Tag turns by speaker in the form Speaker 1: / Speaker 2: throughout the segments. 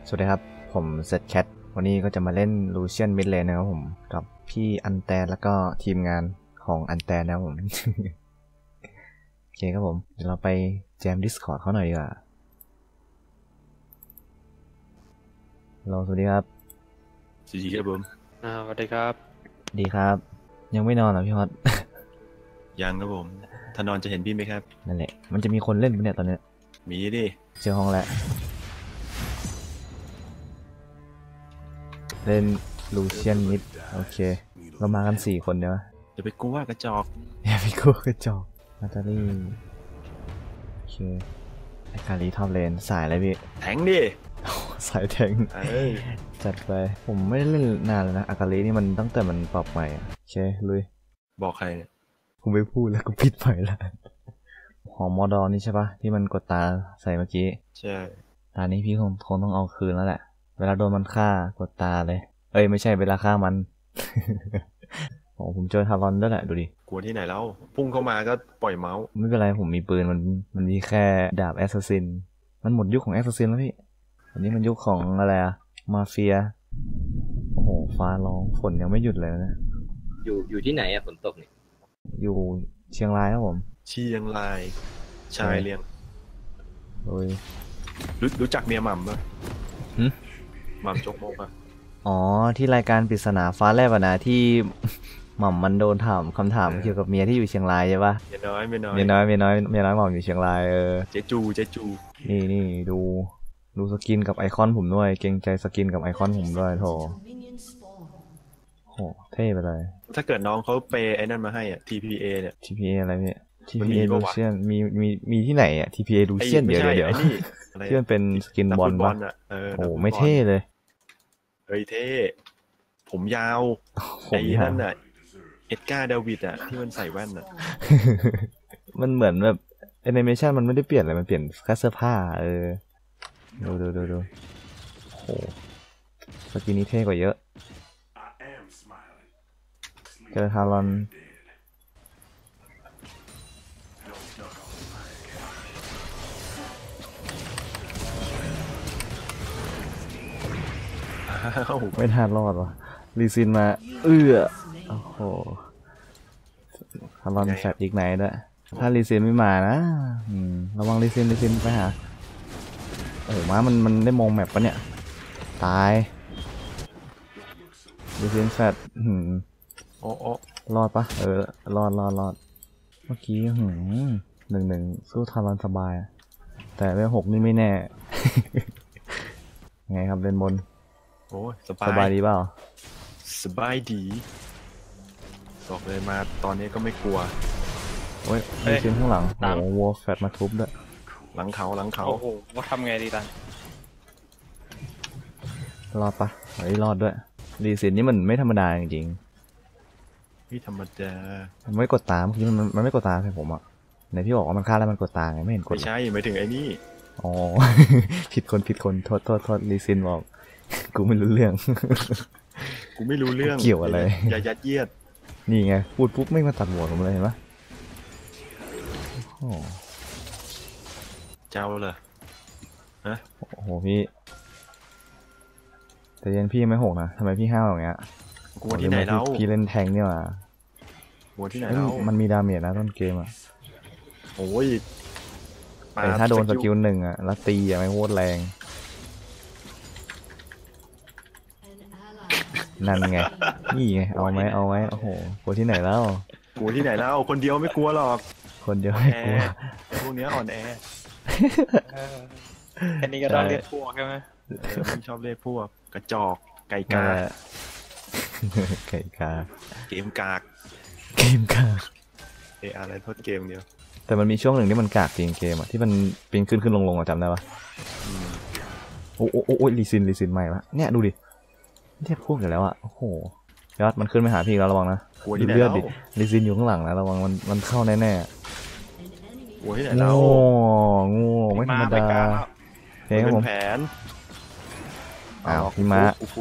Speaker 1: สวัสดีครับผมเซตแคทวันนี้ก็จะมาเล่นลูเชียนมิดเลนนะครับผมกับพี่อันแตนแล้วก็ทีมงานของอันแตนนะครับผม โอเคครับผมเดี๋ยวเราไปแจม Discord เขาหน่อยดีกว่าสวัสดีครับ
Speaker 2: สวัสดีครับผม
Speaker 3: สวัสดีครับ
Speaker 1: ดีครับยังไม่นอนเหรอพี่ฮอต
Speaker 2: ยังครับผมถ้านอนจะเห็นพี่ไหมครับ
Speaker 1: นั่นแหละมันจะมีคนเล่นปะเนี่ยตอนนี้
Speaker 2: มีดิ
Speaker 1: เจอห้องแล้วเล่นลูเชียนมิดโอเคเรามากัน4คนเดี๋ยว
Speaker 2: จะไปกลัวกระจอก
Speaker 1: อย่าไปกลัวกระจอกนาตาลีโอเคไอคารีท็อปเลนสายอะไรพี่
Speaker 2: แทงดิ
Speaker 1: สายแทงจัดไปผมไม่ได้เล่นนานแล้วนะอากาลีนี่มันตั้งแต่มันปรับใหม่โอเคลุย
Speaker 2: บอกใครเนี่ย
Speaker 1: กูไม่พูดแล้วกูปิดใหม่ละหอมอดอนี่ใช่ปะที่มันกดตาใส่เมื่อกี้
Speaker 2: ใช่
Speaker 1: ตานี้พี่คงต้องเอาคืนแล้วแหละเวลาโดนมันฆ่ากดตาเลยเอ้ยไม่ใช่เวลาฆ่ามัน โอ้ผมเจอทารอนด้วยแหละดูดิ
Speaker 2: กลัวที่ไหนแล้วพุ่งเข้ามาก็ปล่อยเมาส์
Speaker 1: ไม่เป็นไรผมมีปืนมันมีแค่ดาบแอสซัสซินมันหมดยุคของแอสซัสซินแล้วพี่อันนี้มันยุคของอะไรอะมาเฟียโอ้โหฟ้าร้องฝนยังไม่หยุดเลยนะ
Speaker 3: อยู่ที่ไหนอะฝนตกเนี่ย
Speaker 1: อยู่เชียงรายครับผม
Speaker 2: เชียงรายชายเรียง
Speaker 1: โดย
Speaker 2: รู้จักเมียหม่ำป่ะหม่ำจกมกป่ะ
Speaker 1: อ๋อที่รายการปริศนาฟ้าแลบนะที่หม่ำมันโดนถามคำถามเกี่ยวกับเมียที่อยู่เชียงรายใช่ปะ
Speaker 2: เมียน้อยหม่ำ
Speaker 1: อยู่เชียงราย
Speaker 2: เจจู
Speaker 1: นี่ดูสกินกับไอคอนผมด้วยเกรงใจสกินกับไอคอนผมด้วยโถโหเท่ไปเลย
Speaker 2: ถ้าเกิดน้องเขาเปย์ไอ้นั่นมาให้อ่ะ TPA เนี่ย
Speaker 1: TPA อะไรเนี่ย TPA ลูเชียนมีที่ไหนอ่ะ TPA ลูเชียนเดี๋ยวที่มันเป็นสกินบอลป่ะโอ้ไม่เท่เลย
Speaker 2: เฮ้ยเท่ผมยาวไอ้นั่นน่ะเอ็ดการ์ดาวิดอ่ะที่มันใส่แว่นอ่ะ
Speaker 1: มันเหมือนแบบแอนิเมชันมันไม่ได้เปลี่ยนอะไรมันเปลี่ยนแค่เสื้อผ้าดูโหสกินนี้เท่กว่าเยอะเจอทารอนไม่ทันรอดวะลีซินมาโอ้โหทารอนแฟดอีกไหนด้วยถ้าลีซินไม่มานะระวังลีซินไปหาโอ้ม้ามันได้มองแมปปะเนี่ยตายลีซินแฟด
Speaker 2: โอ้
Speaker 1: รอดปะรอดเมื่อกี้1-1สู้ทารอนสบายแต่เวล6นี่ไม่แน่ ไงครับเล่นบน
Speaker 2: โอ้ย
Speaker 1: สบายดีเปล่า
Speaker 2: สบายดีบอกเลยมาตอนนี้ก็ไม่กลัว
Speaker 1: โอ้ยมีเสียงข้างหลังโอ้โหวัวแฟดมาทุบด้วย
Speaker 2: หลังเขา
Speaker 3: โอ้โหว่าทำไงดีตัน
Speaker 1: รอดปะรอดด้วยรีซินนี่มันไม่ธรรมดาจริง
Speaker 2: ๆพี่ธรรมดา
Speaker 1: มันไม่กดตาเมื่อกี้มันไม่กดตาใส่ผมอ่ะไหนพี่บอกว่ามันฆ่าแล้วมันกดตาไงไม่เห็นกด
Speaker 2: ไม่ใช่หมายถึงไอ้นี่
Speaker 1: อ๋อ ผิดคนโทษรีซินบอกกูไม่รู้เรื่องเกี่ยวอะไร
Speaker 2: อย่ายัดเยียด
Speaker 1: นี่ไงพูดปุ๊บไม่มาตัดหัวผมเลยเห็นปะ
Speaker 2: เจ้าเลยฮะ
Speaker 1: โอ้โหพี่แต่ยันพี่ไม่หกนะทำไมพี่ห้าวอย่างเงี้ย
Speaker 2: กลัวที่ไหนแล้ว
Speaker 1: พี่เล่นแทงเนี่ยว่ะ
Speaker 2: กลัวที่ไหนแล้ว
Speaker 1: มันมีดาเมจนะต้นเกมอ่ะ
Speaker 2: โอ้ย
Speaker 1: แต่ถ้าโดนสกิล1อ่ะแล้วตีอ่ะไม่โคตรแรงนั่นไงนี่ไงเอาไหมโอ้โหกลัวที่ไหนแล้ว
Speaker 2: คนเดียวไม่กลัวหรอก
Speaker 1: คนเดียวไม่กลัว
Speaker 2: พวกนี้อ่อนแอ
Speaker 3: แค่นี้ก็ต้องเรียกพวกใช่ไหม
Speaker 2: ไม่ชอบเรียกพวกกระจอกไก่กาเกมกากอะไรโทษเกมเดียว
Speaker 1: แต่มันมีช่วงหนึ่งที่มันกากจริงเกมอ่ะที่มันปีนขึ้นลงจำได้ปะโอ้ลีซินใหม่ปะเนี่ยดูดิเทียบพวกอยู่แล้วอ่ะโอ้โหยอดมันขึ้นไปหาพี่แล้วระวังนะดูเลือดดิลีซินอยู่ข้างหลังนะระวังมันเข้าแน่
Speaker 2: โอ้ยไหนเรา
Speaker 1: งูไม่ธรรมดา
Speaker 2: เฮ้ยผมแผน
Speaker 1: พี่ม้า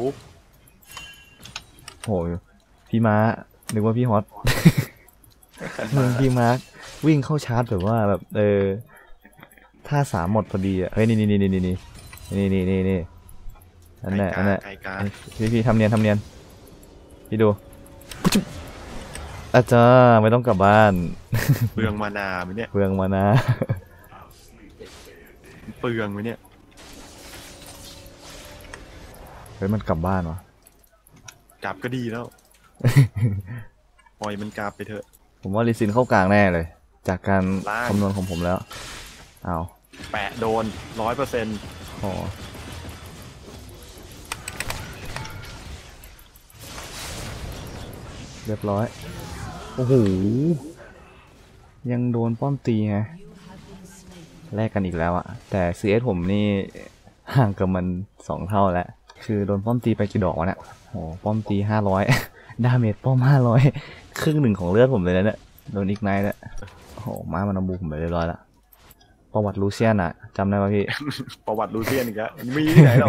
Speaker 1: โหพี่ม้านึกว่าพี่ฮอตพี่ม้าวิ่งเข้าชาร์จแบบว่าแบบท่า3หมดพอดีอ่ะเฮ้ยนี่นั่นแหละนั่นแหละ
Speaker 2: ไก่กา
Speaker 1: พี่ทำเนียนพี่ดูอาจารย์ไม่ต้องกลับบ้าน
Speaker 2: เปลืองมานาไหมเนี่ย
Speaker 1: เปลืองมานะ
Speaker 2: เปลืองไหมเนี่ย
Speaker 1: เฮ้ยมันกลับบ้านวะ
Speaker 2: กลับก็ดีแล้ว ปล่อยมันกลับไปเถอะ
Speaker 1: ผมว่าลิซินเข้ากลางแน่เลย จากการ
Speaker 2: ล่าง
Speaker 1: คำนวณของผมแล้วอ้าว
Speaker 2: แปะโดน100%
Speaker 1: โอ้เรียบร้อยโอ้โหยังโดนป้อมตีไงแลกกันอีกแล้วอะแต่ CS ผมนี่ห่างกับมัน2 เท่าแล้วคือโดนป้อมตีไปกี่ดอกวะเนี่ยโอ้ป้อมตี500 ดาเมจป้อม500ครึ่งหนึ่งของเลือดผมเลยนะเนี่ยโดนอีกไนท์เนี่ยโอ้โหม้ามันเอาบูผมไปเรียบร้อยแล้วประวัติลูเซียนอะจำได้ป่ะพี่
Speaker 2: ประวัติลูเซียนอีกแล้วมีที่ไหนเรา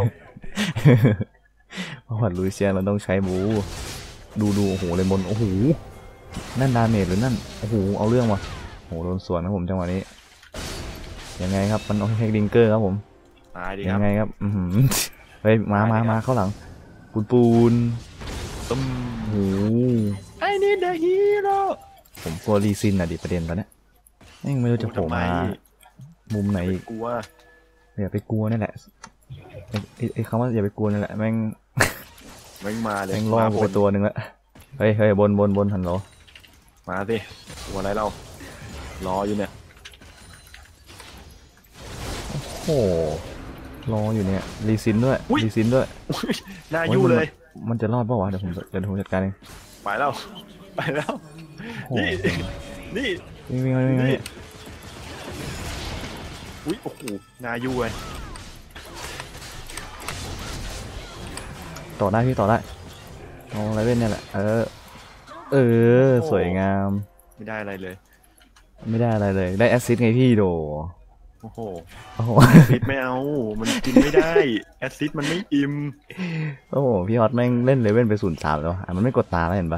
Speaker 1: ประวัติลูเซียนเราต้องใช้บูดูโอ้โหเลยบนโอ้โหนั่นดาเมจหรือนั่นโอ้โหเอาเรื่องว่ะโอ้โหโดนสวนนะผมจังหวะนี้ยังไงครับมันโอเคดิงเกอร์ครับผม
Speaker 2: ตายดีค
Speaker 1: ยั
Speaker 2: รับ
Speaker 1: งไงครับเฮ้ยมาเข้าหลังปูน
Speaker 2: ตึม
Speaker 1: โอ้โห
Speaker 2: I need the hero
Speaker 1: ผมกลัวรีซินอ่ะดิประเด็นตอนเนี้ยยังไม่รู้จะโผล่มามุมไหนอีก
Speaker 2: กลัว
Speaker 1: อย่าไปกลัวนี่แหละไอ้คำว่าอย่าไปกลัวนี่แหละแม่ง
Speaker 2: แม่งมาเลย
Speaker 1: แม่งล่อกูไปตัวหนึ่งละเฮ้ยบนหันเหรอ
Speaker 2: มาสิกลัวอะไรเรารออยู่เนี่ย
Speaker 1: โอ้รออยู่เนี่ยรีซินด้วย
Speaker 2: อุ๊ย
Speaker 1: รีซินด้วย
Speaker 2: หน้ายู่เลย
Speaker 1: มันจะรอดเปล่าวะเดี๋ยวผมจัดการเอง
Speaker 2: ไปแล้วไปแล้ว
Speaker 1: โอ้โห
Speaker 2: นี่
Speaker 1: วิ่ง
Speaker 2: นี่อุ้ยโอ้โหหน้ายู่เลย
Speaker 1: ต่อได้พี่ต่อได้เอาอะไรเล่นเนี่ยแหละเออสวยงาม
Speaker 2: ไม่ได้อะไรเลย
Speaker 1: ไม่ได้อะไรเลยได้แอสซิสต์ไงพี่โด
Speaker 2: โอ้โห
Speaker 1: โอ้โห
Speaker 2: แอสซิดไม่เอา มันกินไม่ได้แอสซิดมันไม่อิ่ม
Speaker 1: โอ้โหพี่ฮอตแม่งเล่นเลเว่นไป03แล้วมันไม่กดตาแล้วเห็นปะ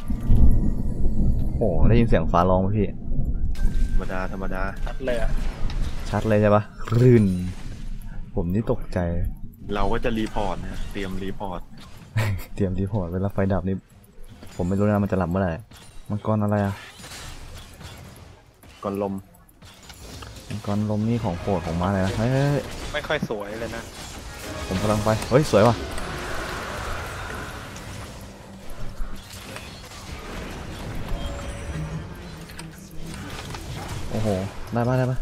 Speaker 1: โอ้โหได้ยินเสียงฟ้าร้องไหมพี่
Speaker 2: ธรรมดา
Speaker 3: ชัดเลยอะ
Speaker 1: ชัดเลยใช่ปะรื่นผมนี่ตกใจ
Speaker 2: เราก็จะรีพอร์ตนะเตรียมรีพอร์ต
Speaker 1: เตรียมรีพอร์ตเวลาไฟดับนี่ผมไม่รู้นะมันจะหลับเมื่อไหร่มังกรอะไรอะ
Speaker 2: ก่อนลม
Speaker 1: มังกรลมนี่ของโปรดของมาเลยนะเฮ้ย
Speaker 3: ไม่ค่อยสวยเลยนะ
Speaker 1: ผมกำลังไปเฮ้ยสวยว่ะโอ้โหได้ปะ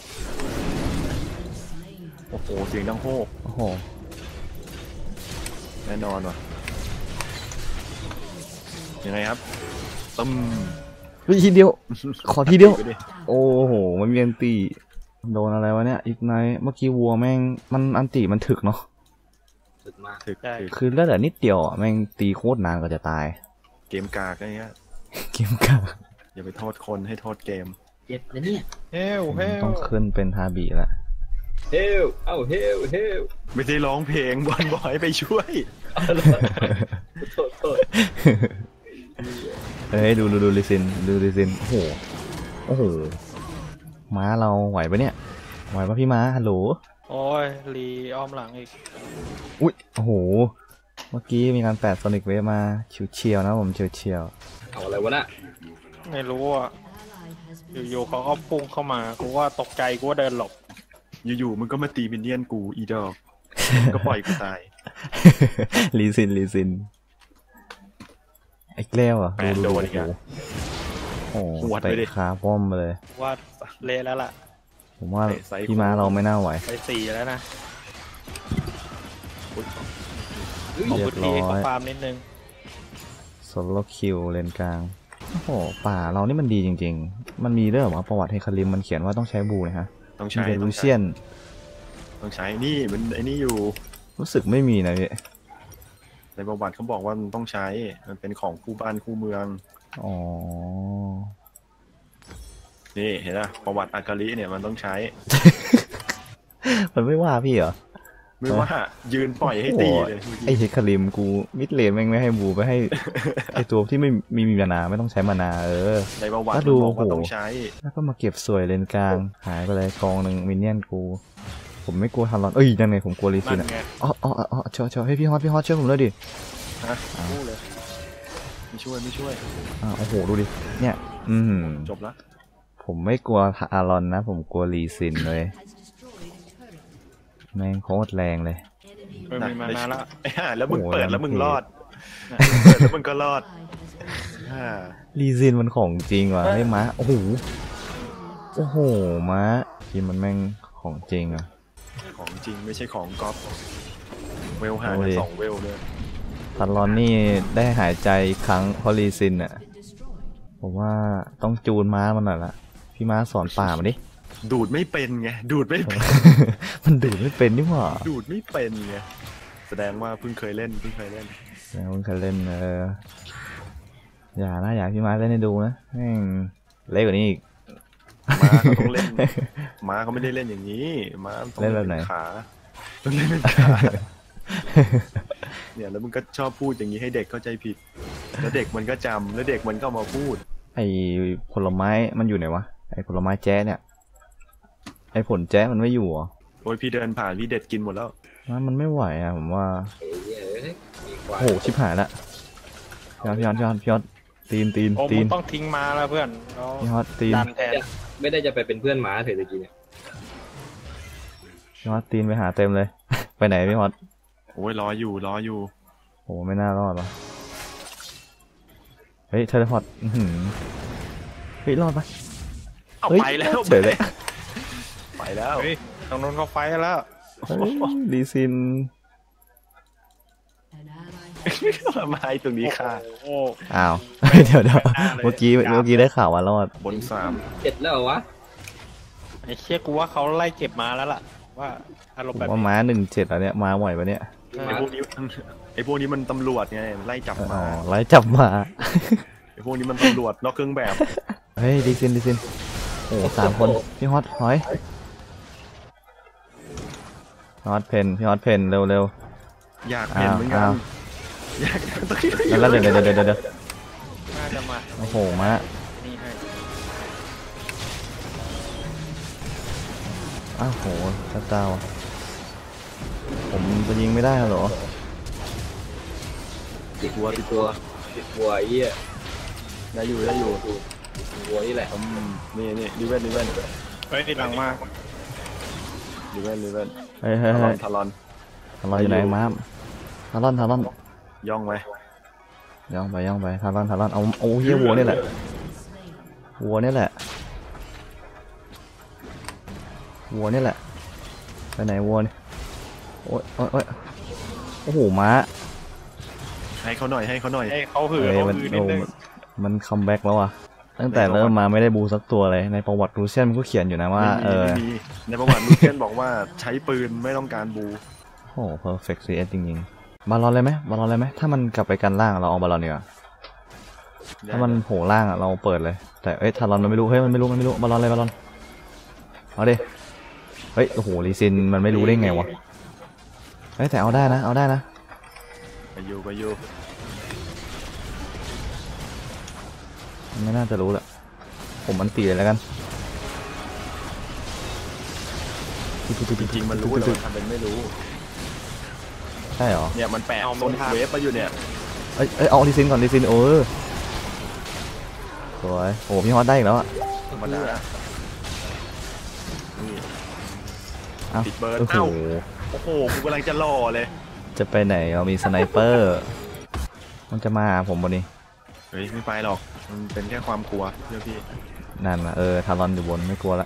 Speaker 2: โอ้โหเสียงดังโฮก
Speaker 1: โอ้โห
Speaker 2: แน่นอนว่ะยังไงครับตึม
Speaker 1: เฮ้ยทีเดียว ขอทีเดียว
Speaker 2: ไปดิ
Speaker 1: โอ้โหมันมีอันตีโดนอะไรวะเนี่ยอีกไนท์เมื่อกี้วัวแม่งมันอันตีมันถึกเนาะ
Speaker 3: สุดมาก
Speaker 2: ถึก
Speaker 3: ใช่
Speaker 2: ถึก
Speaker 1: คือเลือดเหลือนิดเดียวอ่ะแม่งตีโคตรนานกว่าจะตาย
Speaker 2: เกมกากอะไรเงี้ย
Speaker 1: เกมกา
Speaker 2: อย่าไปโทษคนให้โทษเกม
Speaker 3: เจ็บนะเนี่ยเฮล
Speaker 1: ต้องขึ้นเป็นฮาบิละ
Speaker 3: เฮลเฮล
Speaker 2: ไม่ได้ร้องเพลงบอลบอยไปช่วย
Speaker 3: โทษ
Speaker 1: เฮ้ยดูลิซินโอ้โหโอ้โหม้าเราไหวปะเนี่ยไหวปะพี่ม้าฮัลโหล
Speaker 3: โอ้ยรีอ้อมหลังอีก
Speaker 1: อุ้ยโอ้โหเมื่อกี้มีการแปดโซนิกเวฟมาเฉียวๆนะผมเฉียว
Speaker 3: เอาอะไรวะน่ะไม่รู้อ่ะอยู่ๆเขาก็พุ่งเข้ามากูว่าตกใจกูว่าเดินหลบ
Speaker 2: อยู่ๆมึงก็มาตีมินเนี่ยนกูอีดอกก็ปล่อยกูตาย
Speaker 1: ลิซินไอ้แกล้วอ่ะ
Speaker 2: แปดโดนอีกอ่ะ
Speaker 1: โอ้โห
Speaker 2: หวดไปดิ
Speaker 1: เตะขาป้อมมาเลย
Speaker 3: ว่าเละแล้วล่ะ
Speaker 1: ผมว่า
Speaker 2: เตะไซส์
Speaker 1: พี่ม้าเราไม่น่าไหว
Speaker 3: ไป4แล้วนะ
Speaker 1: เรียบร้อย
Speaker 3: ขอฟาร์มนิดนึง
Speaker 1: โซโลคิวเลนกลางโอ้โหป่าเรานี่มันดีจริงๆมันมีเรื่องว่าประวัติเฮคาริมมันเขียนว่าต้องใช้บูนะฮะ
Speaker 2: ต้อง
Speaker 1: มี
Speaker 2: ใช้
Speaker 1: เด
Speaker 2: ต้
Speaker 1: ลู
Speaker 2: อง
Speaker 1: เซียน
Speaker 2: ต้องใช้นี่มันไอ้นี่อยู่
Speaker 1: รู้สึกไม่มีนะพี่
Speaker 2: ในประวัติเขาบอกว่ามันต้องใช้มันเป็นของคู่บ้านคู่เมือง
Speaker 1: อ๋อ
Speaker 2: นี่เห็นไหมประวัติอากาลิเนี่ยมันต้องใช้
Speaker 1: มันไม่ว่าพี่เหรอ
Speaker 2: ไม่ว่ายืนปล่อยให้ตีเลย
Speaker 1: ไอเฮคาริมกูมิดเลนแม่งไม่ให้บูไปให้ ไอตัวที่ไม่มีมานาไม่ต้องใช้มานา
Speaker 2: ในประวัติ
Speaker 1: แล้ว
Speaker 2: มัน
Speaker 1: ดู
Speaker 2: บอกว่า
Speaker 1: โห
Speaker 2: ต้องใช้
Speaker 1: แล้วก็มาเก็บสวยเลนกลางหายไปเลยกองหนึ่งมินเนี่ยนกูโหผมไม่กลัวทารอนเอ้ยยังไงผมกลัวลีซิ
Speaker 3: นั่
Speaker 1: น
Speaker 3: น
Speaker 1: อ่ะ
Speaker 3: ไง
Speaker 1: อ๋อเชียวให้พี่ฮอตช่วยผมด้วยดิ
Speaker 2: ฮะพูดเลยไม่ช่วย
Speaker 1: โอ้โหดูดิเนี่ย
Speaker 2: จบละ
Speaker 1: ผมไม่กลัวทารอนนะผมกลัวลีซินเลยแม่งโคตรแรงเลย
Speaker 3: ไม่มีมานาละ
Speaker 2: ไอ้ห่าแล้วมึงเปิดแล้วมึงรอด
Speaker 3: น่ะ
Speaker 2: เปิดแล้วมึงก็รอดฮ่า
Speaker 1: ลีซินมันของจริงว่ะไอ้ม้าโอ้โหม้าทีมมันแม่งของจริงอ่ะ
Speaker 2: ของจริงไม่ใช่ของก๊อปเวลหา
Speaker 1: โอ้
Speaker 2: กัน
Speaker 1: ย
Speaker 2: 2 เวลเลย
Speaker 1: ทารอนนี่ได้หายใจอีกครั้งเพราะลีซินอ่ะผมว่าต้องจูนม้ามันหน่อยละพี่ม้าสอนป่ามันดิ
Speaker 2: ดูดไม่เป็นไงดูดไม่เป็น
Speaker 1: มันดูดไม่เป็นนี่หว่า
Speaker 2: ดูดไม่เป็นไงแสดงว่าเพิ่งเคยเล่น
Speaker 1: แล้วมันเคยเล่นอย่าให้พี่ม้าเล่นให้ดูนะแม่งเล็กกว่านี้อีก
Speaker 2: ม้าเขาต้องเล่น ม้าเขาไม่ได้เล่นอย่างนี้ม้าต้อง
Speaker 1: เล่นแบบไหน
Speaker 2: ขาต้องเล่นเป็นขาเนี่ยแล้วมึงก็ชอบพูดอย่างนี้ให้เด็กเข้าใจผิด แล้วเด็กมันก็จำแล้วเด็กมันก็มาพูด
Speaker 1: ไอ้ผลไม้มันอยู่ไหนวะไอ้ผลไม้แจ๊ะเนี่ยไอ้ผลแจ๊ะมันไม่อยู่เหรอ
Speaker 2: โอ้ยพี่เดินผ่านพี่เด็ดกินหมดแล้ว
Speaker 1: มันไม่ไหวอ่ะผมว่า
Speaker 4: มีกว่า
Speaker 1: โอ้โหชิบหายละพี่ฮอตตีน
Speaker 3: โอ้มึงต้องทิ้งมาแล้วเพื่อนเรา
Speaker 1: พี่ฮอตตีน
Speaker 3: ดันแทน
Speaker 4: ไม่ได้จะไปเป็นเพื่อนหมาเถอะตะกี้เนี่ย
Speaker 1: พี่ฮอตตีนไปหาเต็มเลย ไปไหนพี่ฮอต
Speaker 2: โอ้ยรออยู่
Speaker 1: โอ้ไม่น่ารอดวะเฮ้ยเทเลพอร์ตเฮ้ยรอดปะ
Speaker 2: เอา
Speaker 1: เฮ้ย
Speaker 2: ไปแล้ว
Speaker 1: เฉยเลย
Speaker 2: ไปแล้ว
Speaker 3: เฮ้ยตรงนู้นเขาไฟแล้ว
Speaker 1: เฮ้ยลีซิน
Speaker 2: มาไอ้ตรงนี้ค่ะ
Speaker 3: โอ้
Speaker 1: อ้าว เดี๋ยวเมื่อกี้ได้ข่าวว่ารอด
Speaker 2: บน
Speaker 4: เจ็ดแล้วเหรอวะ
Speaker 3: ไอ้เชี่ยกูว่าเขาไล่เก็บมาแล้วล่ะว่าอารม
Speaker 1: ผ
Speaker 3: ณ์
Speaker 1: ม
Speaker 3: แบบ
Speaker 1: ว่า
Speaker 3: นี้
Speaker 1: ม้า17แล้วเนี่ยมาไหวปะเนี่ย
Speaker 2: 3ไอ้พวกนี้มันตำรวจไงไล่จับ
Speaker 1: อ๋อ
Speaker 2: มา
Speaker 1: ไล่จับมา
Speaker 2: ไอ้พวกนี้มันตำรวจนอกเครื่องแบบ
Speaker 1: เฮ้ยลีซินโอ้3 คนพี่ฮอตหอยพี่ฮอตเพนเร็ว
Speaker 2: อยากเห็นเหมือนกัน
Speaker 1: อ้าว
Speaker 2: อยากตะกี้
Speaker 1: แล้วเดี๋ยว
Speaker 3: น่าจะมา
Speaker 1: โอ้โหม้า
Speaker 3: นี่ให้
Speaker 1: อ้าวโหเจ้าผมจะยิงไม่ได้เหรอ
Speaker 4: ติดวัวไอ้เหี้ย
Speaker 2: ได้อยู่
Speaker 4: ติดวัวนี่แหละ
Speaker 2: นี่ดิเวน
Speaker 3: เฮ้ยหลังมา
Speaker 1: เฮ้ย
Speaker 2: ทารอน
Speaker 1: ทารอนอยู่ไหนม้าทารอน
Speaker 2: ย่องไป
Speaker 1: ย่องไปทารอนเอาเฮียวัวนี่แหละไปไหนวัวนี่โอ้ยโอ้โหม้า
Speaker 2: ให้เขาหน่อย
Speaker 3: ให้เขาหือ
Speaker 1: เอ้ย
Speaker 3: เขา
Speaker 1: มัน
Speaker 3: หือนิดนึง
Speaker 1: มันคัมแบ็กแล้วอ่ะตั้งแต่เริ่มมาไม่ได้บูสักตัวเลยในประวัติรูเซียนมันก็เขียนอยู่นะว่า
Speaker 2: ไม่มีในประวัติลูเคนบอกว่าใช้ปืนไม่ต้องการบู
Speaker 1: โอ้เพอร์เฟกต์ซีเอสจริงๆบาลอนเลยไหมถ้ามันกลับไปกันล่างเราเอาบาลอนดีกว่าถ้ามันโผล่ล่างเราเปิดเลยแต่ทารอนมันไม่รู้มันไม่รู้บาลอนเอาดิเฮ้ยโอ้โหลีซินมันไม่รู้ได้ไงวะแต่เอาได้นะ
Speaker 2: ไปอยู่
Speaker 1: ไม่น่าจะรู้แหละผมมันตีเลยแล้วกัน
Speaker 2: จริงๆมันรู้แต่มันทำเป็นไม่รู้
Speaker 1: ใช่เหรอ
Speaker 2: เนี่ยมันแปะโซนเวฟมาอยู่เนี่ย
Speaker 1: เอาลีซินก่อนสวยโอ้พี่ฮอตได้อีกแล้วอ่ะ
Speaker 2: ธรรมดานี่
Speaker 1: เอ้า
Speaker 2: ปิดเบิร์ด
Speaker 1: โอ้โห
Speaker 2: โอ้โหกูกำลังจะรอเลย
Speaker 1: จะไปไหนเรามีสไนเปอร์มันจะมาหาผมวันนี้
Speaker 2: เฮ้ยไม่ไปหรอกมันเป็นแค่ความกลัวเชื่อพี่
Speaker 1: นั่นนะทารอนอยู่บนไม่กลัวละ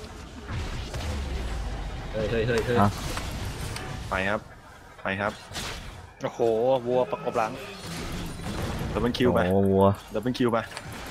Speaker 4: เฮ้ย
Speaker 1: อ่ะ
Speaker 2: ไปครับ
Speaker 3: โอ้โหวัวประกบหลัง
Speaker 2: ดับเบิลคิวไป
Speaker 1: โอ้วัว
Speaker 2: ดับเบิลคิวไป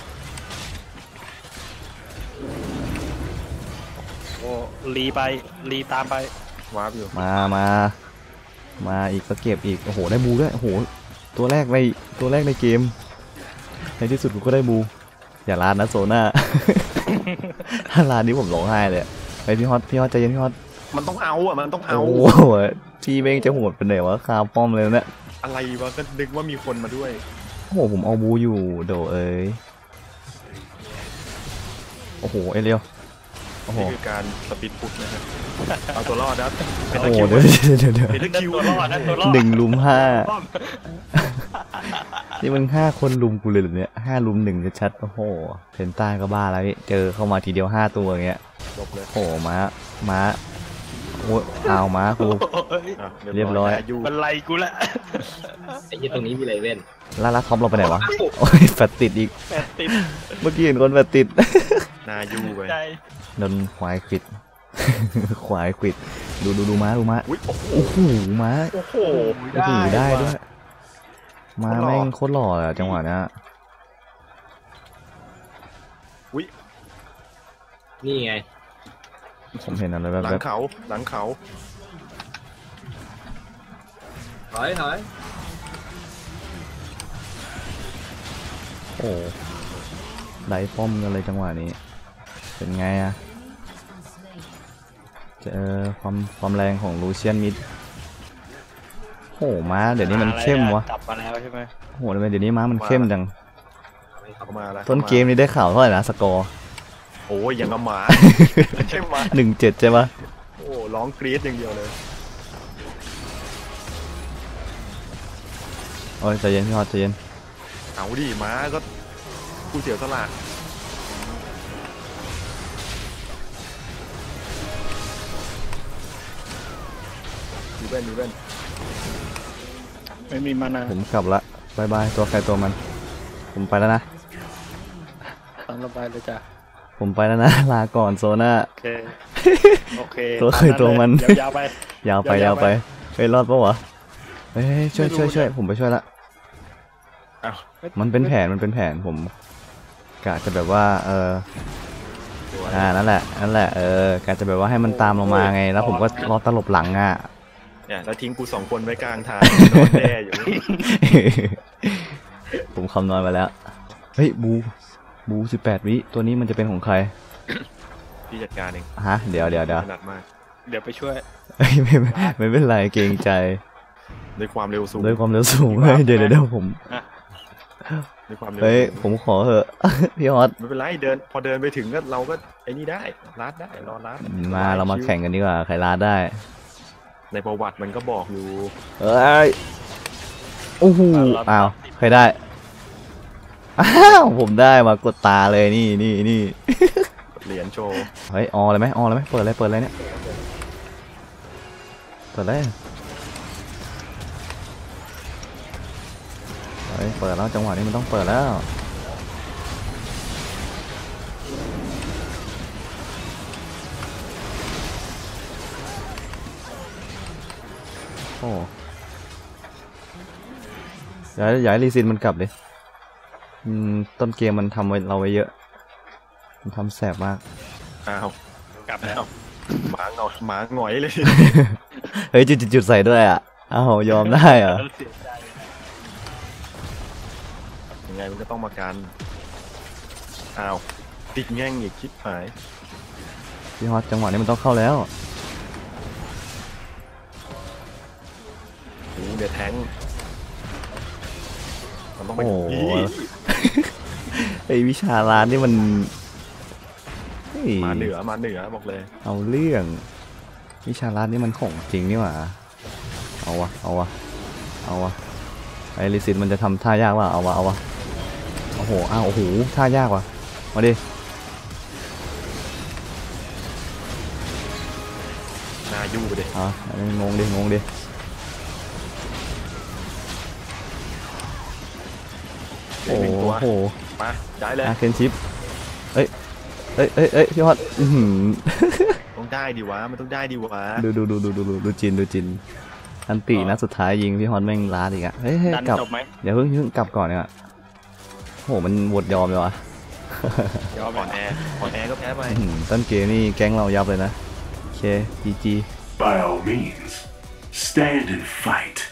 Speaker 3: โอ้ลีตามไป
Speaker 2: วาร์ปอยู่
Speaker 1: มาอีกก็เก็บอีกโอ้โหได้บูด้วยโอ้โหตัวแรกในเกมในที่สุดกูก็ได้บูอย่าลาดนะโซน่า ถ้าลาดนี้ผมร้องไห้เลยไปพี่ฮอตใจเย็นพี่ฮอต
Speaker 2: มันต้องเอาอ่ะมันต้องเอา
Speaker 1: โอ้โหพี่เบ้งจะโหดเป็นไหนวะคาป้อมเลยเนี่ย
Speaker 2: อะไรวะก็นึกว่ามีคนมาด้วย
Speaker 1: โอ้โหผมเอาบูอยู่โดเอ้ยโอ้โหเอเลียวโอ้โห
Speaker 2: นี่คือการสปีดพุชนะฮะเอาตัวรอดนะเป็น
Speaker 1: โอ้
Speaker 2: ตะ
Speaker 1: โห
Speaker 2: คิว
Speaker 1: เดี๋ยว
Speaker 2: เป็นตะคิว
Speaker 3: ตัวรอดนะตัวรอด
Speaker 1: หนึ่งลุมห้านี่มัน5 คนลุมกูเลยเหรอเนี่ย5 ลุม 1จะชัดโอ้โหเพนต้าก็บ้าแล้วพี่เจอเข้ามาทีเดียว5 ตัวอย่างเงี้ย
Speaker 2: จบเลย
Speaker 1: โอ้โหม้าโอ้เอาม้ากู
Speaker 2: อ่ะ
Speaker 1: เรียบร้อย
Speaker 2: นายู
Speaker 3: มันไล่กูละ
Speaker 4: ไอ้ยี่ตรงนี้มีอะไรเว้น
Speaker 1: แล้วท็อปเราไปไหนวะโอ้ยแฟตติดอีก
Speaker 3: แปดติด
Speaker 1: เมื่อกี้เห็นคนแฟตติด
Speaker 2: นายูไป
Speaker 3: ใจ
Speaker 1: โดนควายควิด ควายควิดดูม้า
Speaker 2: อุ้ยโอ้โห
Speaker 1: โอ้โหม้า
Speaker 2: โอ้โห
Speaker 1: โอ้โหได้ด้วย
Speaker 3: ว่ะ
Speaker 1: ม้าแม่งโคตรหล่อเลยอะจังหวะเนี้ย
Speaker 2: อุ้ย
Speaker 4: นี่ไง
Speaker 1: ผมเห็นอะไรแบบ
Speaker 2: หลัง
Speaker 1: แบบ
Speaker 2: เขาหลังเขา
Speaker 4: ถอยถอย
Speaker 1: โอ้ไดป้อมกันเลยจังหวะนี้เป็นไงอะเจอความแรงของลูเชียนมิดโอ้ม้าเดี๋ยวนี้มันเข้มวะ
Speaker 3: กลับมาแล้วใช่ไหม
Speaker 1: โอ้โหเดี๋ยวนี้ม้ามันเข้มจัง
Speaker 2: เข้ามาแล้ว
Speaker 1: ต้นเกมนี้ได้ข่าวเท่าไหร่นะสกอร์
Speaker 2: โอ้ยอย่างกับหมาใช่ไหม
Speaker 1: 1-7ใช่ปะ
Speaker 2: โอ้ร้องกรี๊ดอย่างเดียวเลย
Speaker 1: โอ้ยใจเย็นพี่ฮอตใจเย็น
Speaker 2: เอาดิม้าก็ผู้เสียสละมีเว้นมีเว้น
Speaker 3: ไม่มีมานา
Speaker 1: ผมกลับละบายบายตัวใครตัวมัน ผมไปแล้วนะ
Speaker 3: ตามระบายเลยจ้ะ
Speaker 1: ผมไปแล้วนะ ลาก่อนโซน่า
Speaker 3: โอเคโอเค
Speaker 1: ตัวเคยตัวมัน
Speaker 3: ยาวๆไป
Speaker 1: ยาวไป
Speaker 3: ยาวๆไป
Speaker 1: เฮ้ยรอดปะวะเฮ้ยช่วยผมไปช่วยละ
Speaker 2: อ้าว
Speaker 1: มันเป็นแผนผมกะจะแบบว่านั่นแหละกะจะแบบว่าให้มันตามลงมาไง แล้วผมก็รอตลบหลังอ่ะ
Speaker 2: เนี่ยแล้วทิ้งกู2 คนไว้กลางทางนอนแน่อยู่
Speaker 1: ผมคำนวณไปแล้ว เฮ้ยบู18 วิตัวนี้มันจะเป็นของใคร
Speaker 2: พี่จัดการเอง
Speaker 1: ฮะเดี๋ยว
Speaker 2: ถนัดมาก
Speaker 3: เดี๋ยวไปช่วย
Speaker 1: เอ้ยไม่เป็นไรเกรงใจ
Speaker 2: ด้วยความเร็วสูง
Speaker 1: ด้วยความเร็วสูงเฮ้ยเดี๋ยวผม
Speaker 2: ด้วยความเร็ว
Speaker 1: เฮ้ย
Speaker 2: สูง
Speaker 1: ผมขอเหอะ พี่ฮอต
Speaker 2: ไม่เป็นไรพอเดินไปถึงก็เราก็ไอ้นี่ได้ลัดได้รอลัด
Speaker 1: มาเรามาแข่งกันดีกว่าใครลาดได้
Speaker 2: ในประวัติมันก็บอกอยู่
Speaker 1: เอ้ยโอ้โหอ้าวใครได้อ้าวผมได้มากดตาเลยนี่
Speaker 2: เหรียญโชว์
Speaker 1: เฮ้ยออเลยไหมเปิดเลยเนี่ยเปิดเลยเฮ้ยเปิดแล้วจังหวะนี้มันต้องเปิดแล้วโอ้ย้ายรีซินมันกลับเลยต้นเกมมันทำไว้เราไว้เยอะมันทำแสบมาก
Speaker 2: อ้าว
Speaker 3: กลับแล้ว
Speaker 2: หมาหงอยเลย
Speaker 1: เฮ้ยจุดใส่ด้วยอ่ะอ้าวยอมได้เหรอ
Speaker 3: เสียใจ
Speaker 2: ยังไงมันก็ต้องมากันอ้าวติดแง่งอีกชิบหาย
Speaker 1: พี่ฮอตจังหวะนี้มันต้องเข้าแล้ว
Speaker 2: โอ้เดี๋ยวแทงมันต้องไป
Speaker 1: โอ้โห
Speaker 2: อี
Speaker 1: ไอวิชาร้านนี่มันเฮ้ย
Speaker 2: มาเหนือบอกเลย
Speaker 1: เอาเรื่องวิชาร้านนี่มันของจริงนี่หว่าเอาวะไอลิซินมันจะทำท่ายากว่ะเอาวะโอ้โหอ้าวโอ้โหท่ายากว่ะมาดิ
Speaker 2: นายูไปดิ
Speaker 1: งงดิ
Speaker 2: เหลือหนึ่งตัว
Speaker 1: โอ้โห
Speaker 2: มาได้เลย
Speaker 1: เคนชิปเอ้ยพี่ฮอตอื้อหือ
Speaker 2: ต้องได้ดิวะมันต้องได้ดิวะ
Speaker 1: ดูจินอันตีนะสุดท้ายยิงพี่ฮอนแม่งล้าอีกอะเฮ้ย
Speaker 3: ดัน
Speaker 1: กลับ
Speaker 3: จบไหม
Speaker 1: เดี๋ยวเพิ่งกลับก่อนเนี่ยโหมันหมดยอมเลยวะ
Speaker 3: ยอม
Speaker 2: อ่อนแอก็แพ้ไป
Speaker 1: ต้นเกมนี่แก๊งเรายับเลยนะโอเค GG
Speaker 5: By all means, stand and fight.